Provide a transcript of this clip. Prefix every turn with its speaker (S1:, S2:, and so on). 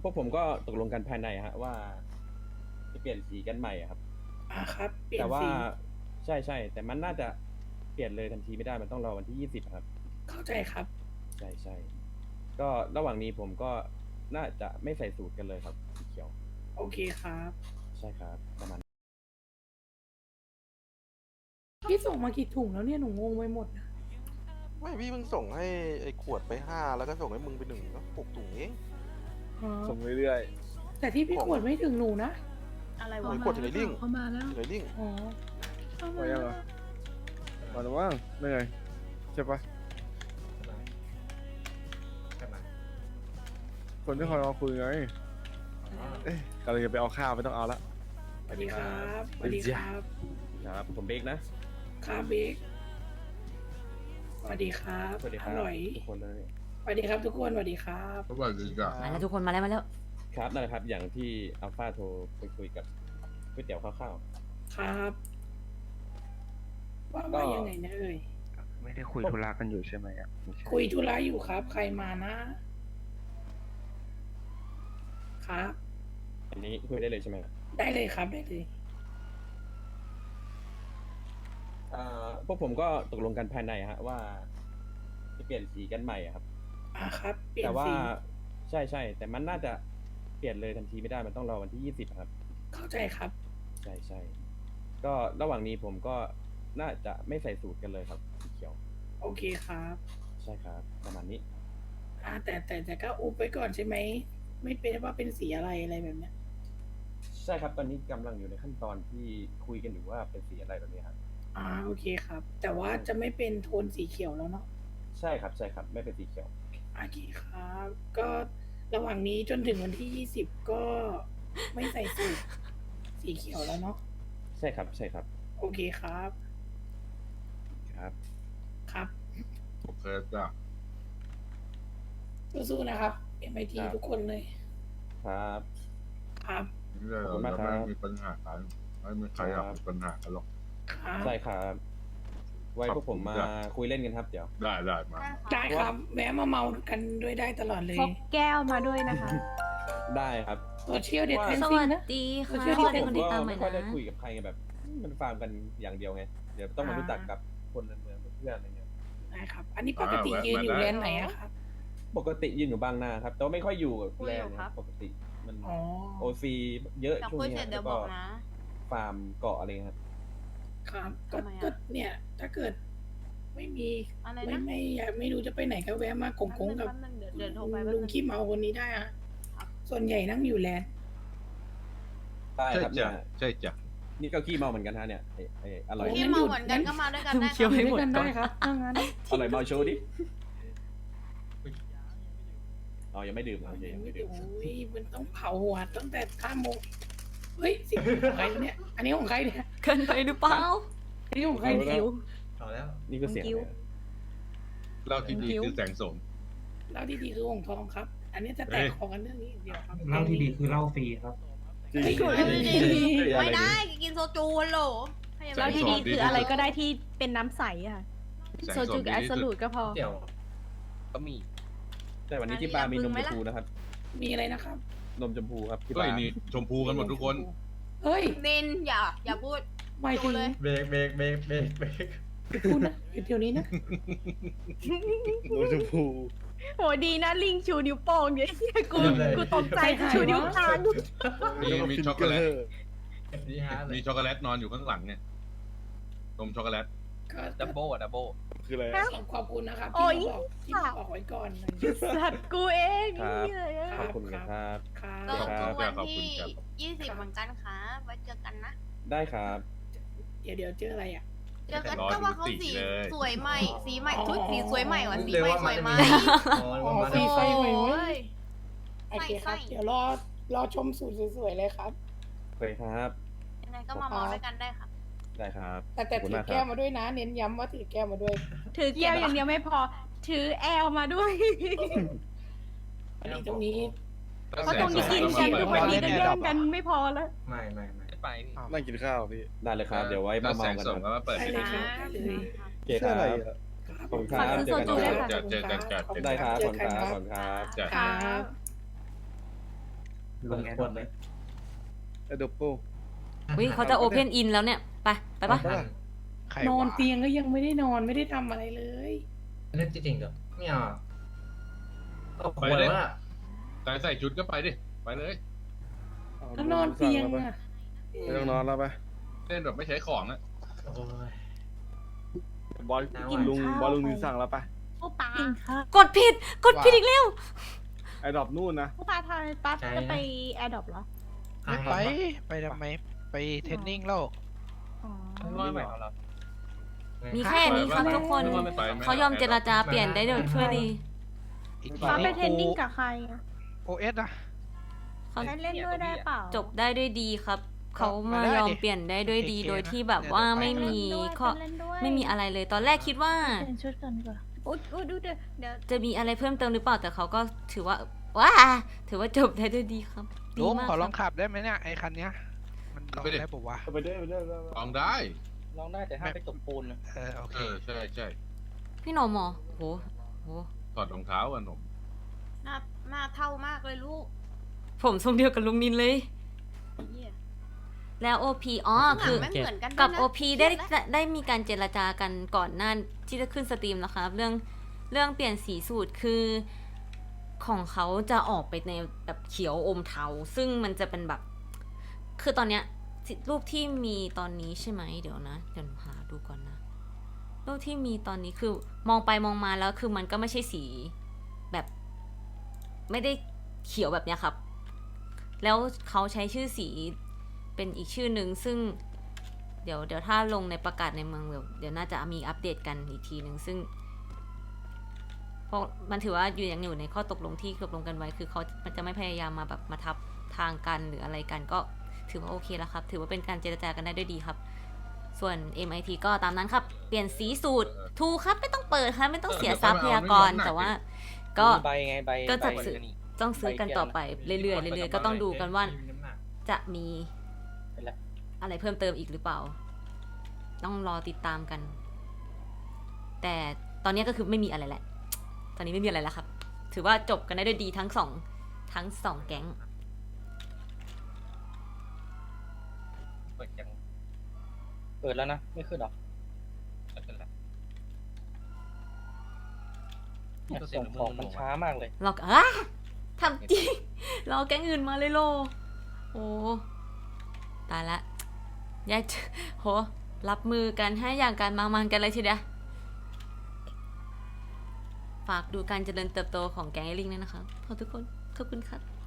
S1: พวกผมก็ตกลงกันภายในฮะว่าจะเปลี่ยนสีกันใหม่อะครับ
S2: ครับเปลี่ย
S1: แต่ว่า
S2: นสี
S1: ใช่ใช่แต่มันน่าจะเปลี่ยนเลยทันทีไม่ได้มันต้องรอวันที่20ครับ
S2: เข้าใจครับ
S1: ใช่ใช่ก็ระหว่างนี้ผมก็น่าจะไม่ใส่สูตรกันเลยครับสีเขียว
S2: โอเคครับ
S1: ใช่ครับประมาณ
S2: พี่ส่งมากี่ถุงแล้วเนี่ยหนูงงไปหมดนะ
S3: ไม่พี่เพิ่งส่งให้ไอ้ขวดไป5แล้วก็ส่งให้มึงไป1ก็6ถุงเอง
S2: อ๋อ
S1: ส่งเรื่อย
S2: แต่ที่พี่ขวดไม่ถึงหนูนะ
S4: อะไร
S3: ไอ้
S4: วะ
S3: ขวดอยู่ในลิงก์
S4: เขามาแล้ว
S3: อยู่ในลิงก์
S2: อ๋อ
S5: ไปยังเหรอมาแล้วว่างเหนื่อยใช่ปะคนที่คอยมาคุยไงเอ๊ะกำลังจะไปเอาข้าวไม่ต้องเอาละ
S2: สวัสดีครับสวัสดีครับ
S1: ๆครับผมเบกนะครับ
S2: เบกสวัสดีครับ
S1: สวัสดีค
S2: อ
S1: รับ
S2: ร่อย
S1: ทุกคนเลย
S2: สวัสดีครับทุกคนสวัสดีครับ
S6: สวัสดีจ้ะ
S7: มาแล้วทุกคนมาแล้ว
S1: ครับนั่นแหละครับอย่างที่อัลฟาโทรไปคุยกับก๋วยเตี๋ยวข้าว
S2: ครับว่ายังไงนะเอ่ย
S5: ไม่ได้คุยธุระกันอยู่ใช่ไหมอ่ะไม่ใช่
S2: คุยธุระอยู่ครับ ใครมานะ ครับ
S1: ๆอันนี้คุยได้เลยใช่ไหมครับ
S2: ได้เลยครับได้เลย
S1: พวกผมก็ตกลงกันภายในฮะว่าจะเปลี่ยนสีกันใหม่อะครับ
S2: ครับเปลี่ย
S1: แต่
S2: น
S1: ว่า
S2: สี
S1: ใช่ใช่แต่มันน่าจะเปลี่ยนเลยทันทีไม่ได้มันต้องรอวันที่20ครับ
S2: เข้าใจครับ
S1: ใช่ใช่ก็ระหว่างนี้ผมก็น่าจะไม่ใส่สูตรกันเลยครับสีเขียว
S2: โอเคครับ
S1: ใช่ครับประมาณนี้
S2: แต่ก็อุบไว้ก่อนใช่ไหม ไม่เป็นว่าเป็นสีอะไรแบบเนี้ย
S1: ใช่ครับตอนนี้กำลังอยู่ในขั้นตอนที่คุยกันอยู่ว่าเป็นสีอะไรแบบนี้ครับ
S2: โอเคครับ แต่ว่าจะไม่เป็นโทนสีเขียวแล้วเนาะ
S1: ใช่ครับใช่ครับไม่เป็นสีเขียว
S2: โอเคครับ ก็ระหว่างนี้จนถึงวันที่20ก็ไม่ใส่สูตรสีเขียวแล้วเนาะ
S1: ใช่ครับใช่ครับ
S2: โอเคครับ
S1: ครับ
S2: ครับ
S6: โอเคจ้ะ
S2: สู้ๆนะครับ MIT
S1: ครับ
S2: ทุกคนเลย
S1: ครับ
S2: ครับ
S6: นี่เรา
S1: ขอบคุณมาก
S6: จะ
S1: ครั
S6: ไม่
S1: บ
S6: มีปัญหากันไม่มีใครอยากมีปัญหากันหรอก
S2: ครับ
S1: ใช่ครับไว้พวกผมมาคุยเล่นกันครับเดี๋ยว
S6: ได้มา
S2: ได้ครับ แวะมาเมากันด้วยได้ตลอดเลย
S4: พกแก้วมาด้วยนะคะ
S1: ได้ครับ
S2: โซเชียลเด็ดแทน
S7: ส
S2: ซิ
S7: วั
S2: ง
S7: ส
S2: นะ
S7: ดีค่ะ
S2: เชื่อ
S7: ส
S2: ที่
S7: วัสดี
S1: ผ
S7: ค
S1: ม
S7: นติด
S1: ก็
S7: ตามใหม่
S1: ไม่ค่อยได้
S7: นะ
S1: คุยกับใครไงแบบมันฟาร์มกันอย่างเดียวไงเดี๋ยวต้องมารู้จักกับคนในเมืองเพื่อนอะไรเงี้ย
S2: ได้ครับ อันนี้ปกติยืนอยู่แลนด์ไหนอะครับ
S1: ปกติยืนอยู่บางนาครับแต่ว่าไม่ค่อยอยู่กับ
S4: คุย
S1: แล
S4: อน ยู่
S1: ด์
S4: ครับ
S1: ปกติมัน
S2: อ๋อ
S1: โอซีเยอะ
S4: แต่
S1: ช่วง
S4: คุย
S1: นี้
S4: เสร็จ
S1: แล้
S4: เดี๋ยว
S1: ว
S4: บ
S1: ก็
S4: อกนะ
S1: ฟาร์มเกาะอะไรเงี้ยครับ
S2: ครับ
S4: ทำไมอะ
S2: ก็เนี่ย ถ้าเกิดไม่มี
S4: อะไร
S2: ไม่
S4: นะ
S2: ไม่อยากไม่รู้จะไปไหนก็แวะมากงๆกับ
S4: แป๊บนึงเดี๋ยวโทรไปแป๊บ
S2: ลุง
S4: นึง
S2: ขี้เมาคนนี้ได้อะส่วนใหญ่นั่งอยู่แลนด์
S1: ได้
S6: ใช่
S1: ครับ
S6: จ้ะ
S1: เนี่ย
S6: ใช่จ้ะ
S1: นี่ก็ขี้เมาเหมือนกันฮะเนี่ยอร่อย
S4: ที่เมาเหมือนกันก็มาด้วยกันได้
S7: เคี้ยว
S4: ค่ะ
S7: ให้หมด
S2: กัน
S7: ก่อ
S2: ได้
S7: น
S2: ครับถ้างั้น
S1: อร่อยเมาโชว์ดิอ๋อยังไม่ดื่มโอเคยังไม่ดื่ม
S2: โอ้ยมันต้องเผาหัวตั้งแต่5 โมงเฮ้ยสิของใครวะเนี่ย อันนี้ของใครเนี่ย
S7: เกินไปหรือเปล่า
S2: อันนี้ของใคร
S1: เอา
S2: เนี่ย
S1: แล้ว
S5: เอาแล้ว
S1: นี่ก็เสียง
S7: กิ้ว
S1: เลย
S6: เล่าที่ดีคือแสงสม
S2: เหล้าที่ดีคือหงทองครับ อันนี้จะแตกคอกันเรื่องนี้อย่างเดียวครับ
S5: เหล้าที่ดีคือเหล้าฟรีครับ
S1: จริง
S2: เฮ้ย
S4: ไม่
S1: อะไร
S4: ได้
S1: ดิ
S4: กินโซจูฮัลโหลให้ยังไง
S6: แล้วที่ดีคืออะไรก็ได้ที่
S4: เป็นน้ำใสอ่ะ
S6: แสง
S4: โซ
S6: ส
S4: จู
S6: ม
S4: กับ
S6: ดี
S4: แอส
S6: ที่
S4: โซ
S6: สุ
S4: ลู
S6: ด
S4: ดก็พอ
S5: เดี๋ยวก็มี
S1: แต่วันนี้ที่บาร์มีนมชมพูนะครับ
S2: มีอะไรนะครับ
S1: นมชมพูครับที่
S6: เฮ้
S1: บาย ร์
S6: นี่ชมพูกันหมดทุกคน
S2: เฮ้ย
S4: นินอย่าพูด
S2: ไม่ถึง
S4: ดูเลย
S5: เบรกเบรกเบรกเบรกเบรก
S2: อย่าพูดนะอยู่เดี๋ยวนี้นะ
S1: นมชมพู
S4: โหดีนะลิงชูนิ้วโป้งเนี่ยกูตกใจชูนิ้วกลาง
S6: มีช็อกโกแลต
S5: นี่ฮะ
S6: มีช็อกโกแลตนอนอยู่ข้างหลังเนี่ยนมช็อกโกแลต
S2: ก็
S5: ดับเบิลดับเบิล
S1: คืออะไร
S2: ขอบคุณนะครับ
S4: โอ้ย
S2: ที่มาบอกไว้ก่อนนะ
S4: สัตว์กูเอง
S1: ครับ
S4: นี่เลยอะ
S1: ขอบคุณครับ
S2: ครับ
S4: ก็
S1: ครับ
S4: วันที่20เหมือนกันค่ะไว้เจอกันนะ
S1: ได้ครับ
S2: เดี๋ยวเจออะไรอ่ะ
S4: เจอกันก็ว่าเขาสีสวยใหม่ สีใหม่ชุดสีสวยใหม่ว่ะสี
S5: เร็ว
S4: ใหม่
S5: ว่า
S4: ส
S5: มั
S4: วน ย
S5: จะ
S4: ไหม
S5: มี
S2: สีไฟใหม่
S4: โอ้
S2: เว้ย
S4: ย
S2: โอเคครับ
S4: ใส่
S2: เดี๋ยวรอชมสูตรสวยๆเลยครับ
S1: โอเคครับ
S4: ยังไงก็มาเมาด้วยกันได้ค่ะ
S1: ได้ครับ
S2: แต่
S1: ขอบคุณ
S2: ถือ
S1: มากค
S2: แก้
S1: รั
S2: ว
S1: บ
S2: มาด้วยนะ เน้นย้ำว่าถือแก้วมาด้วย
S4: ถือแก้วอย่างเดียวไม่พอ ถือแอลมาด้วย
S2: อันนี้ตรงนี้
S4: เพราะตรงนี้กินกันทุกวันนี้ก็แย่งกันไม่พอแล้ว
S5: ไม่ไม่ไปพี่
S8: นั่งกินข้าวพี่
S1: ได้เลยครับ เดี๋ยวไว้มา
S6: แส
S1: เมาง กัน
S6: สม
S1: ค
S6: ก็
S1: รับ
S6: มาเปิด
S2: ได้
S6: ให้
S2: เล
S6: ดู
S2: ยครับได้เลย
S1: โอเคครับ ขอบคุณครับ
S4: ฝากซื้อโซจูด้วยค่ะ
S6: เจอกัน
S1: ได้ครับขอบคุณครับขอบคุณครับ
S6: จ้ะ
S2: ครับ
S7: ลงแอร์ดรอปเลย
S5: ไอ้ดบโป้
S8: วิเขาจะโอเพนอินแล้วเนี่ย ไปปะ
S3: ใคร
S2: นอน
S3: วะ
S2: เตียงก็ยังไม่ได้นอนไม่ได้ทำอะไรเลย
S7: เล่นจริงๆเหรอไม่เอาเอาควรว่า
S6: ใส่ชุดก็ไปดิ ไปเลย
S2: แล้วนอนเตียงอ่ะ
S5: ไม่ต้องนอนแล้วไป
S6: เล่นแบบไม่ใช้ของอะ
S7: โอ้ย
S5: บอลลุงถึงสั่งแล้วไป
S4: ผู้ปา
S8: กดผิดอีกแล้ว
S5: ไอ้ดอบนู่นนะ
S4: ผู้ปาทอยปั๊บจะไปแอร์ดรอปเหรอ
S9: ไม่ไปทำไมไปเทรนนิ่งแล้ว
S4: อ๋อ
S8: มีแค่นี้ครับทุกคน เขายอมเจรจาเปลี่ยนได้โดยช่วยดี
S9: อีก
S4: ฟ้าไปเทรนนิ่งกับใครอะ
S9: โอเอสอะ
S8: เขา
S4: ได้เล่นด้วยได้เปล่า
S8: จบได้ด้วยดีครับ เขามายอมเปลี่ยนได้ด้วยดี โดยที่แบบว่าไม่มีข้อ
S4: เล่นด้วย
S8: ไม่มีอะไรเลย ตอนแรกคิดว่า
S4: เปลี่ยนชุดก่อนดีกว่าอุ๊ยดูเดี๋ยว
S8: จะมีอะไรเพิ่มเติมหรือเปล่า แต่เขาก็ถือว่าถือว่าจบได้ด้วยดีครับดี
S9: ลุง
S8: มาก
S9: ขอล
S8: ค
S9: อง
S8: รับ
S9: ขับได้ไหมเนี่ยไอ้คันเนี้ย มันลองได้ปะวะ
S5: ไปเด้อ
S6: ลองได้
S7: ลองได้แต่ห้ามไปตบปูนนะ
S9: โอเค
S6: ใช่
S8: พี่หนอมหมอโห
S6: ถอดรองเท้าอะหนุ่ม
S4: หน้าเท่ามากเลยลูก
S8: ผมทรงเดียวกับลุงนินเลย
S4: เหี้ย
S8: แล้วโอพีอ๋อคือ
S4: ไม่เหมือนกันด้วยนะ
S8: กับโอพีได้
S4: เครียแล้ว
S8: ได้มีการเจรจากันก่อนหน้าที่จะขึ้นสตรีมนะคะเรื่องเปลี่ยนสีสูตรคือของเขาจะออกไปในแบบเขียวอมเทาซึ่งมันจะเป็นแบบ คือตอนเนี้ยรูปที่มีตอนนี้ใช่ไหมเดี๋ยวนะเดี๋ยวหาดูก่อนนะรูปที่มีตอนนี้คือมองไปมองมาแล้วคือมันก็ไม่ใช่สีแบบ ไม่ได้เขียวแบบเนี้ยครับ แล้วเขาใช้ชื่อสีเป็นอีกชื่อหนึ่งซึ่งเดี๋ยวถ้าลงในประกาศในเมืองเดี๋ยวน่าจะมีอัปเดตกันอีกทีหนึ่งซึ่งเพราะมันถือว่ายังอยู่ในข้อตกลงที่ตกลงกันไว้คือมันจะไม่พยายามมาแบบมาทับทางกันหรืออะไรกันก็ถือว่าโอเคแล้วครับถือว่าเป็นการเจรจากันได้ด้วยดีครับ ส่วน MIT ก็ตามนั้นครับเปลี่ยนสีสูตรถูกครับไม่ต้องเปิดครับไม่ต้องเสียทรัพยากรแต่ว่าก็
S7: ใบไงใบ
S8: ก็จัดซื้อ ต้องซื้อกันต่อไปเรื่อยๆก็ต้องดูกันว่าจะมีอะไรเพิ่มเติมอีกหรือเปล่า ต้องรอติดตามกัน แต่ตอนนี้ก็คือไม่มีอะไรแหละ ตอนนี้ไม่มีอะไรแล้วครับ ถือว่าจบกันได้ด้วยดีทั้งสองแก๊ง
S7: เปิดแล้วนะไม่ขึ้นหรอส่งของมันช้ามากเลย
S8: รอทำจริง รอแก๊งอื่นมาเลยโล โอ้ตายละยายโหรับมือกันให้อย่างการมันกันเลยทีเดียวฝากดูการเจริญเติบโตของแก๊งไอลิงด้วยนะครับขอบทุกคนขอบคุณครับ